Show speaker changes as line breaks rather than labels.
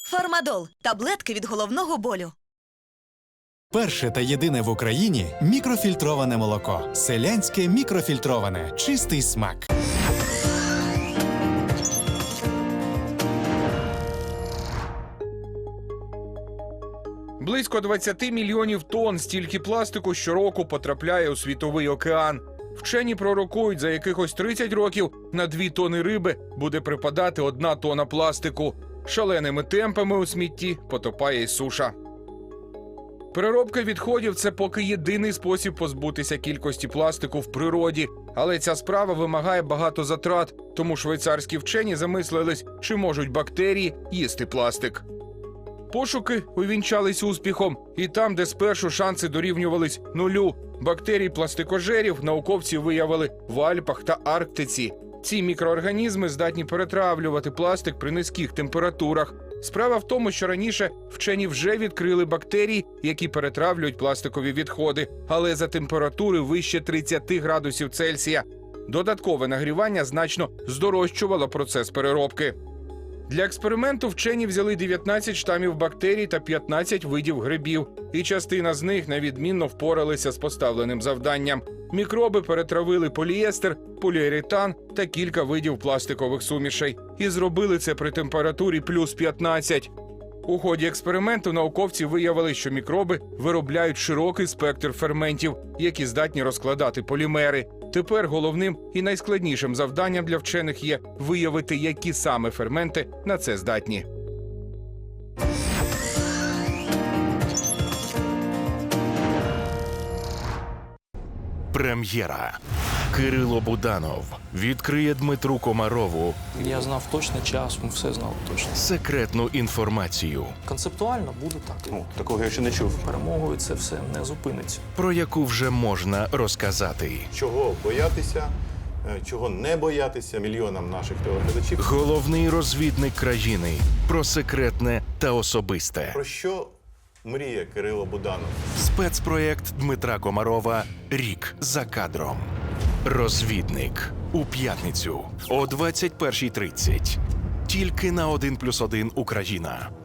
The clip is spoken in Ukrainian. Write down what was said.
Фармадол – таблетки від головного болю.
Перше та єдине в Україні мікрофільтроване молоко. Селянське мікрофільтроване. Чистий смак.
Близько 20 мільйонів тонн стільки пластику щороку потрапляє у світовий океан. Вчені пророкують, за якихось 30 років на 2 тони риби буде припадати 1 тонна пластику. Шаленими темпами у смітті потопає й суша. Переробка відходів – це поки єдиний спосіб позбутися кількості пластику в природі. Але ця справа вимагає багато затрат, тому швейцарські вчені замислились, чи можуть бактерії їсти пластик. Пошуки увінчались успіхом. І там, де спершу шанси дорівнювались 0, бактерій-пластикожерів науковці виявили в Альпах та Арктиці. Ці мікроорганізми здатні перетравлювати пластик при низьких температурах. Справа в тому, що раніше вчені вже відкрили бактерії, які перетравлюють пластикові відходи, але за температури вище 30 градусів Цельсія. Додаткове нагрівання значно здорожчувало процес переробки. Для експерименту вчені взяли 19 штамів бактерій та 15 видів грибів. І частина з них невідмінно впоралися з поставленим завданням. Мікроби перетравили поліестер, поліуретан та кілька видів пластикових сумішей. І зробили це при температурі плюс 15. У ході експерименту науковці виявили, що мікроби виробляють широкий спектр ферментів, які здатні розкладати полімери. Тепер головним і найскладнішим завданням для вчених є виявити, які саме ферменти на це здатні.
Прем'єра. Кирило Буданов відкриє Дмитру Комарову
Я знав точно час, ми все знали точно.
секретну інформацію,
Концептуально буде так.
Такого я ще не чув.
Перемогою це все не зупиниться.
про яку вже можна розказати.
Чого боятися, чого не боятися мільйонам наших телеглядачів.
Головний розвідник країни про секретне та особисте.
Про що мріє Кирило Буданов?
Спецпроєкт Дмитра Комарова «Рік за кадром». Розвідник. У п'ятницю о 21:30. Тільки на 1+1 Україна.